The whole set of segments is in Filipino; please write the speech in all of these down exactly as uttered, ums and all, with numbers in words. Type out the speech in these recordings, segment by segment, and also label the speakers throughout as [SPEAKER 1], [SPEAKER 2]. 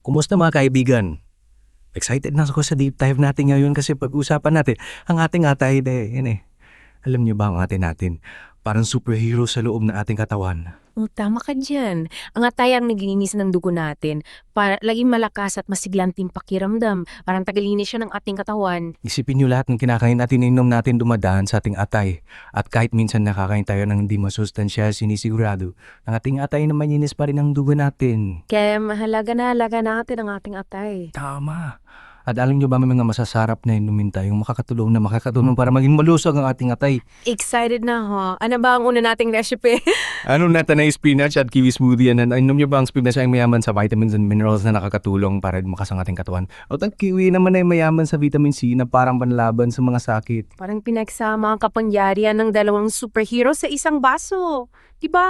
[SPEAKER 1] Kumusta mga kaibigan? Excited na ako sa deep dive natin ngayon kasi pag-usapan natin ang ating atay de, yan eh. Alam niyo ba ang atay natin? Parang superhero sa loob ng ating katawan.
[SPEAKER 2] Oh, tama ka dyan. Ang atay ang naglilinis ng dugo natin para laging malakas at masiglanting pakiramdam. Parang tagalinis siya ng ating katawan.
[SPEAKER 1] Isipin niyo lahat ng kinakain natin, inom natin dumadaan sa ating atay. At kahit minsan nakakain tayo ng hindi masustansya, sinisigurado, ang ating atay na malinis pa rin ang dugo natin.
[SPEAKER 2] Kaya mahalaga na halaga natin ang ating atay.
[SPEAKER 1] Tama. At alam niyo ba may mga masasarap na inumin tayong makakatulong na makakatulong para maging malusog ang ating atay?
[SPEAKER 2] Excited na ho. Ano ba ang una nating recipe?
[SPEAKER 1] Ano natin na spinach at kiwi smoothie? Ano, inom niyo ba ang spinach ay mayaman sa vitamins and minerals na nakakatulong para lumakas ang ating katawan? At ang kiwi naman ay mayaman sa vitamin C na parang panlaban sa mga sakit.
[SPEAKER 2] Parang pinagsama ang kapangyarihan ng dalawang superhero sa isang baso. Diba?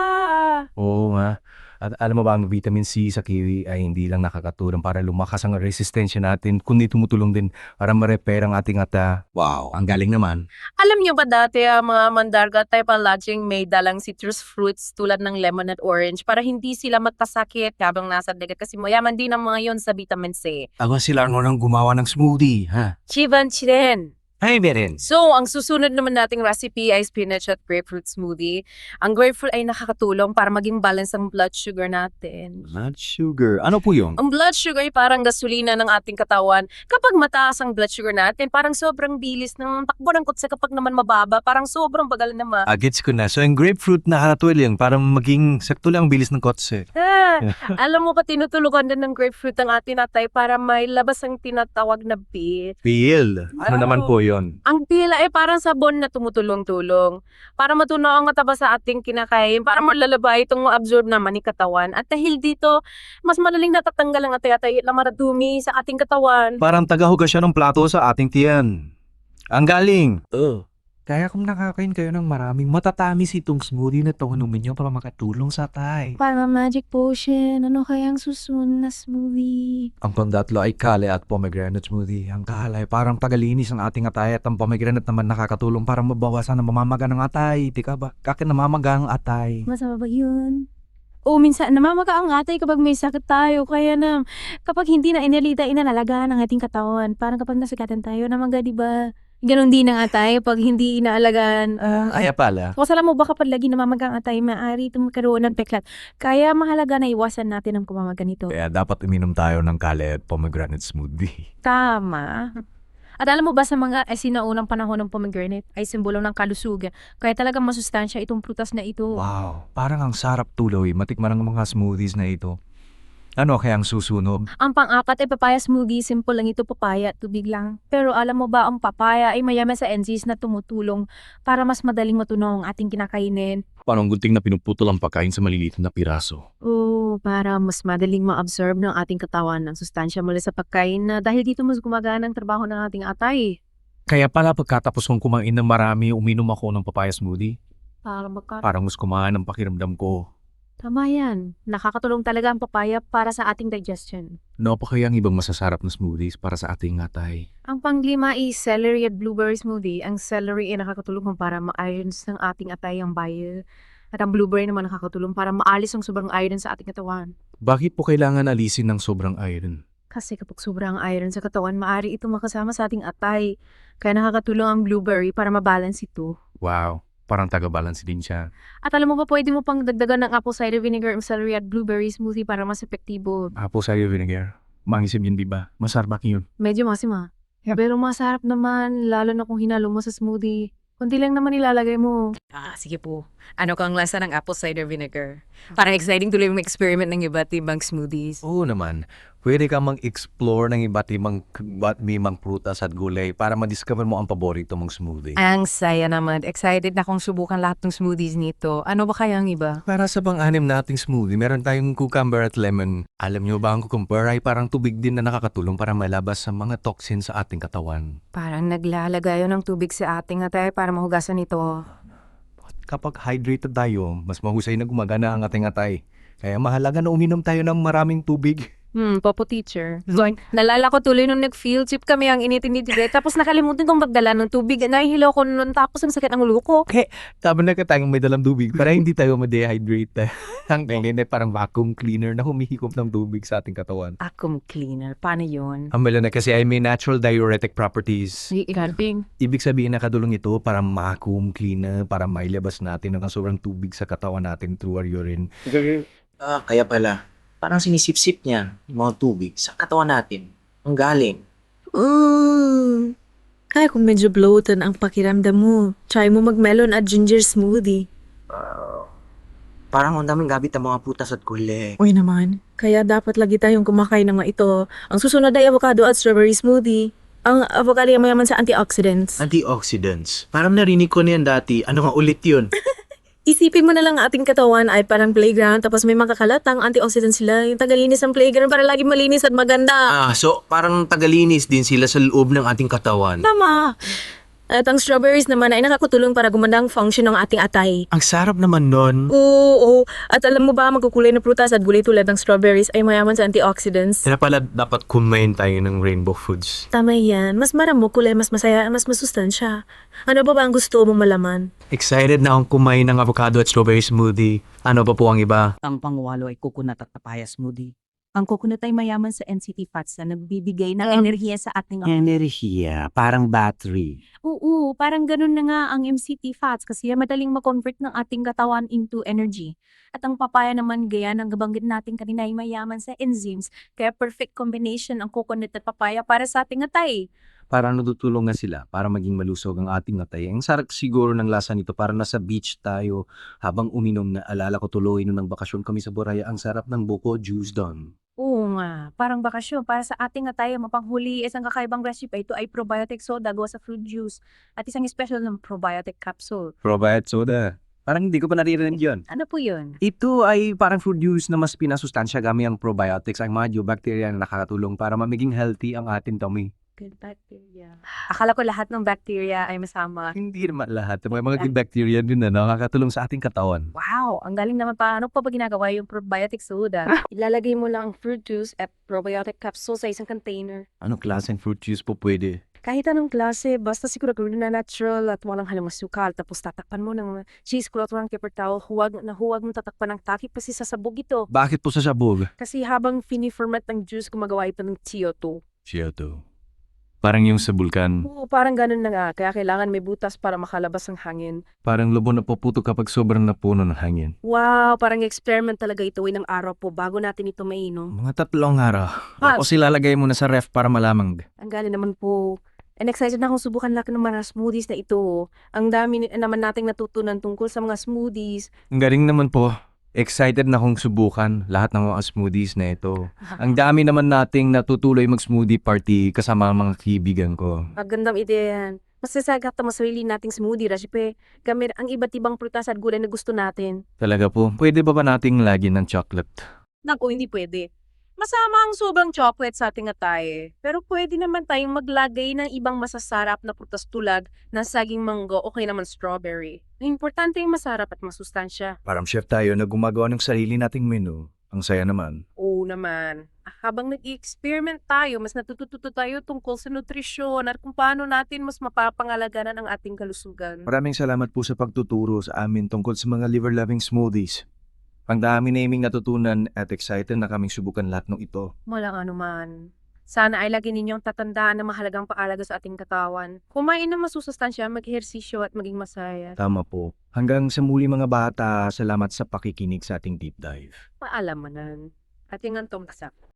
[SPEAKER 1] Oo nga. At alam mo ba ang vitamin C sa kiwi ay hindi lang nakakatulong para lumakas ang resistensya natin, kundi tumutulong din para ma-repair ang ating ata. Wow, ang galing naman.
[SPEAKER 2] Alam niyo ba dati ang mga mandarga tayo palaging may dalang citrus fruits tulad ng lemon at orange para hindi sila magkasakit habang nasa dagat kasi mayaman din ang mga yon sa vitamin C.
[SPEAKER 1] Ako sila ano nang gumawa ng smoothie, ha?
[SPEAKER 2] Chivan chiren.
[SPEAKER 1] Ay, meron.
[SPEAKER 2] So, ang susunod naman nating recipe ay spinach at grapefruit smoothie. Ang grapefruit ay nakakatulong para maging balance ang blood sugar natin.
[SPEAKER 1] Blood sugar. Ano po yun?
[SPEAKER 2] Ang blood sugar ay parang gasolina ng ating katawan. Kapag mataas ang blood sugar natin, parang sobrang bilis ng takbo ng kutsa. Kapag naman mababa, parang sobrang bagal naman.
[SPEAKER 1] Ah, gets ko na. So, yung grapefruit nakakatulong para maging sakto lang ang bilis ng kotse.
[SPEAKER 2] Ah, alam mo pa, tinutulungan din ng grapefruit ang ating atay para may labas ang tinatawag na pit.
[SPEAKER 1] Peel. Ano
[SPEAKER 2] Ano?
[SPEAKER 1] naman po yun?
[SPEAKER 2] Ang pila ay parang sabon na tumutulong-tulong para matunaw ang kataba sa ating kinakain, para malalabay itong ma-absorb naman ni katawan. At dahil dito, mas madaling natatanggal ang atay-atay na maradumi sa ating katawan.
[SPEAKER 1] Parang tagahugas siya ng plato sa ating tiyan. Ang galing! Oh. Kaya kung nakakain kayo ng maraming matatamis itong smoothie na ito, inumin nyo para makatulong sa atay.
[SPEAKER 2] Para magic potion, ano kaya ang susunod na smoothie?
[SPEAKER 1] Ang pandatlo ay kale at pomegranate smoothie. Ang kale ay parang tagalinis ng ating atay at ang pomegranate naman nakakatulong para mabawasan ang mamamaga ng atay. Tika ba? Kaka namamaga ang atay.
[SPEAKER 2] Masama ba yun? O minsan namamaga ang atay kapag may sakit tayo. Kaya na kapag hindi na inalita, inalalagaan ang ating katawan. Parang kapag nasagatan tayo, namaga, di ba? Ganon din ang atay pag hindi inaalagaan.
[SPEAKER 1] Ah, kaya pala.
[SPEAKER 2] Kung alam mo ba kapag lagi namamaga ang atay, maaari itong magkaroon ng peklat. Kaya mahalaga na iwasan natin ang kumamaga nito.
[SPEAKER 1] Kaya dapat uminom tayo ng kale at pomegranate smoothie.
[SPEAKER 2] Tama. At alam mo ba sa mga eh, sinaunang panahon ng pomegranate ay simbolo ng kalusugan. Kaya talagang masustansya itong prutas na ito.
[SPEAKER 1] Wow, parang ang sarap tuloy. Matikman ang mga smoothies na ito. Ano kaya ang susunod?
[SPEAKER 2] Ang pang-apat ay papaya smoothie. Simple lang ito, papaya at tubig lang. Pero alam mo ba, ang papaya ay mayaman sa enzymes na tumutulong para mas madaling matunaw ang ating kinakainin.
[SPEAKER 1] Parang gunting na pinuputol ang pagkain sa maliliit na piraso.
[SPEAKER 2] Oo, para mas madaling ma-absorb ng ating katawan ng sustansya mula sa pagkain na dahil dito mas gumagana ang trabaho ng ating atay.
[SPEAKER 1] Kaya pala pagkatapos kong kumain ng marami, uminom ako ng papaya smoothie.
[SPEAKER 2] Para magka...
[SPEAKER 1] Parang mas kumain ang pakiramdam ko.
[SPEAKER 2] Tama yan. Nakakatulong talaga ang papaya para sa ating digestion.
[SPEAKER 1] Ano pa kaya ang ibang masasarap na smoothies para sa ating atay?
[SPEAKER 2] Ang panglima ay celery at blueberry smoothie. Ang celery ay nakakatulong para ma-irons ng ating atay ang bile. At ang blueberry naman nakakatulong para maalis ang sobrang iron sa ating katawan.
[SPEAKER 1] Bakit po kailangan alisin ng sobrang iron?
[SPEAKER 2] Kasi kapag sobrang iron sa katawan, maaari ito makasama sa ating atay. Kaya nakakatulong ang blueberry para mabalance ito.
[SPEAKER 1] Wow, parang taga-balance din siya.
[SPEAKER 2] At alam mo ba, pwede mo pang dagdagan ng apple cider vinegar, celery at blueberry smoothie para mas epektibo.
[SPEAKER 1] Apple cider vinegar. Mangisip yun, di ba? Masarap yun.
[SPEAKER 2] Medyo masim ah.
[SPEAKER 1] Yeah.
[SPEAKER 2] Pero masarap naman, lalo na kung hinalo mo sa smoothie. Kunti lang naman ilalagay mo. Ah, sige po. Ano kang lasa ng apple cider vinegar? Parang exciting tuloy yung experiment ng iba't ibang smoothies.
[SPEAKER 1] Oo naman. Pwede ka mang-explore ng iba't ibang, iba't ibang prutas at gulay para ma-discover mo ang paborito mong smoothie.
[SPEAKER 2] Ang saya naman. Excited na akong subukan lahat ng smoothies nito. Ano ba kaya ang iba?
[SPEAKER 1] Para sa pang-anim nating smoothie, meron tayong cucumber at lemon. Alam nyo ba ang cucumber ay parang tubig din na nakakatulong para malabas sa mga toxin sa ating katawan.
[SPEAKER 2] Parang naglalagay ng tubig sa ating atay para mahugasan ito.
[SPEAKER 1] Kapag hydrated tayo, mas mahusay na gumagana ang ating atay. Kaya mahalaga na uminom tayo ng maraming tubig.
[SPEAKER 2] Hmm, Popo teacher. So, nalala ko tuloy nung nag-field trip kami ang initin ni Dire. Tapos nakalimutan kong magdala ng tubig. Nahihilaw ko nun. Tapos ang sakit ng ulo ko.
[SPEAKER 1] Tama na ka tayong may dalang tubig para hindi tayo ma-dehydrate. Ang ganyan ay parang vacuum cleaner na humihikop ng tubig sa ating katawan.
[SPEAKER 2] Vacuum cleaner. Paano yun?
[SPEAKER 1] Ang na kasi ay may natural diuretic properties.
[SPEAKER 2] Ikalping.
[SPEAKER 1] Ibig sabihin nakadulong ito para vacuum cleaner, para mailabas natin ang sobrang tubig sa katawan natin through our urine.
[SPEAKER 3] Ah, kaya pala. Parang sinisip-sip niya yung mga tubig sa katawan natin. Ang galing.
[SPEAKER 4] Mm. Kaya kung medyo bloated ang pakiramdam mo, try mo mag-melon at ginger smoothie.
[SPEAKER 3] Ah, parang ang daming gabit ng mga putas at gulay.
[SPEAKER 4] Uy naman, kaya dapat lagi tayong kumakain ng mga ito. Ang susunod ay avocado at strawberry smoothie. Ang avocado ay mayaman sa antioxidants.
[SPEAKER 3] Antioxidants. Parang narinig ko niyan dati. Ano nga ulit yun?
[SPEAKER 4] Isipin mo na lang ang ating katawan ay parang playground tapos may mga kakalatang antioxidants sila. Yung tagalinis ng playground para lagi malinis at maganda.
[SPEAKER 3] Ah, so parang tagalinis din sila sa loob ng ating katawan.
[SPEAKER 4] Tama! At ang strawberries naman ay nakakatulong para gumanda ang function ng ating atay.
[SPEAKER 3] Ang sarap naman nun.
[SPEAKER 4] Oo, oo. At alam mo ba, magkukulay na prutas at gulay tulad ng strawberries ay mayaman sa antioxidants.
[SPEAKER 3] Kaya pala dapat kumain tayo ng rainbow foods.
[SPEAKER 4] Tama yan. Mas maramo kulay, mas masaya, mas masustansya. Ano ba ba ang gusto mong malaman?
[SPEAKER 3] Excited na akong kumain ng avocado at strawberry smoothie. Ano pa po ang iba?
[SPEAKER 5] Ang pangwalo ay coconut at papaya smoothie. Ang coconut ay mayaman sa N C T fats na nagbibigay ng enerhiya sa ating...
[SPEAKER 6] Enerhiya, parang battery.
[SPEAKER 5] Oo, parang ganun na nga ang M C T fats kasi madaling ma-convert ng ating katawan into energy. At ang papaya naman, gaya ng gabanggit natin kanina, ay mayaman sa enzymes. Kaya perfect combination ang coconut at papaya para sa ating atay.
[SPEAKER 1] Para natutulong nga sila para maging malusog ang ating atay. Ang sarap siguro ng lasa nito para nasa beach tayo habang uminom na alala ko tuloy nung nang bakasyon kami sa Boraya. Ang sarap ng buko juice doon.
[SPEAKER 5] Oo nga, parang bakasyon. Para sa ating atay, mapanghuli isang kakaibang recipe. Ito ay probiotic soda gawa sa fruit juice at isang special ng probiotic capsule.
[SPEAKER 1] Probiotic soda. Parang hindi ko pa naririnig yun.
[SPEAKER 5] Ano po yun?
[SPEAKER 1] Ito ay parang fruit juice na mas pinasustansya gamit ang probiotics, ang mga bacteria na nakakatulong para maging healthy ang ating tummy.
[SPEAKER 5] Good bacteria. Akala ko lahat ng bacteria ay masama.
[SPEAKER 1] Hindi naman lahat. May mga good bacteria din na nakakatulong sa ating katawan.
[SPEAKER 5] Wow, ang galing naman pa. Ano pa ba ginagawa yung probiotic soda? Ilalagay mo lang ang fruit juice at probiotic capsule sa isang container.
[SPEAKER 1] Anong klaseng fruit juice po pwede?
[SPEAKER 5] Kahit anong klase, basta siguro na natural at walang halong asukal. Tapos tatakpan mo ng cheesecloth or ang paper towel. Huwag na huwag mo tatakpan ng takip kasi sasabog ito.
[SPEAKER 1] Bakit po sa sabog?
[SPEAKER 5] Kasi habang fini-ferment ng juice, gumagawa ito ng C O two.
[SPEAKER 1] Siya to. Parang yung sa bulkan.
[SPEAKER 5] Oo, parang ganun na nga. Kaya kailangan may butas para makalabas ang hangin.
[SPEAKER 1] Parang lobo na puputo kapag sobrang napuno ng hangin.
[SPEAKER 5] Wow, parang experiment talaga ito ng araw po bago natin ito mainom.
[SPEAKER 1] Mga tatlong araw.
[SPEAKER 5] Ah.
[SPEAKER 1] Tapos ilalagay mo na sa ref para malamang.
[SPEAKER 5] Ang galing naman po. And excited na akong subukan lahat ng mga smoothies na ito. Ang dami ni- naman nating natutunan tungkol sa mga smoothies.
[SPEAKER 1] Ang galing naman po. Excited na akong subukan lahat ng mga smoothies na ito. Ang dami naman nating natutuloy mag-smoothie party kasama ang mga kaibigan ko.
[SPEAKER 5] Magandang ideya yan. Mas sasagat na masarili nating smoothie, Rashipe. Gamit ang iba't ibang prutas at gulay na gusto natin.
[SPEAKER 1] Talaga po, pwede ba ba nating lagyan ng chocolate?
[SPEAKER 2] Naku, hindi pwede. Masama ang sobrang chocolate sa ating atay. Pero pwede naman tayong maglagay ng ibang masasarap na prutas tulad ng saging manggo o kaya naman strawberry. Ang importante yung masarap at masustansya.
[SPEAKER 1] Parang chef tayo na gumagawa ng sarili nating menu. Ang saya naman.
[SPEAKER 2] Oo naman. Habang nag-experiment tayo, mas natututo tayo tungkol sa nutrisyon at kung paano natin mas mapapangalagaan ang ating kalusugan.
[SPEAKER 1] Maraming salamat po sa pagtuturo sa amin tungkol sa mga liver-loving smoothies. Ang dami naming natutunan at excited na kaming subukan lahat ng ito.
[SPEAKER 2] Walang anuman. Sana ay lagi ninyong tatandaan na mahalagang paalaga sa ating katawan. Kumain ng masusustansya, mag-ehersisyo at maging masaya.
[SPEAKER 1] Tama po. Hanggang sa muli mga bata, salamat sa pakikinig sa ating deep dive.
[SPEAKER 2] Paalam mo nan. Ating antong tasak.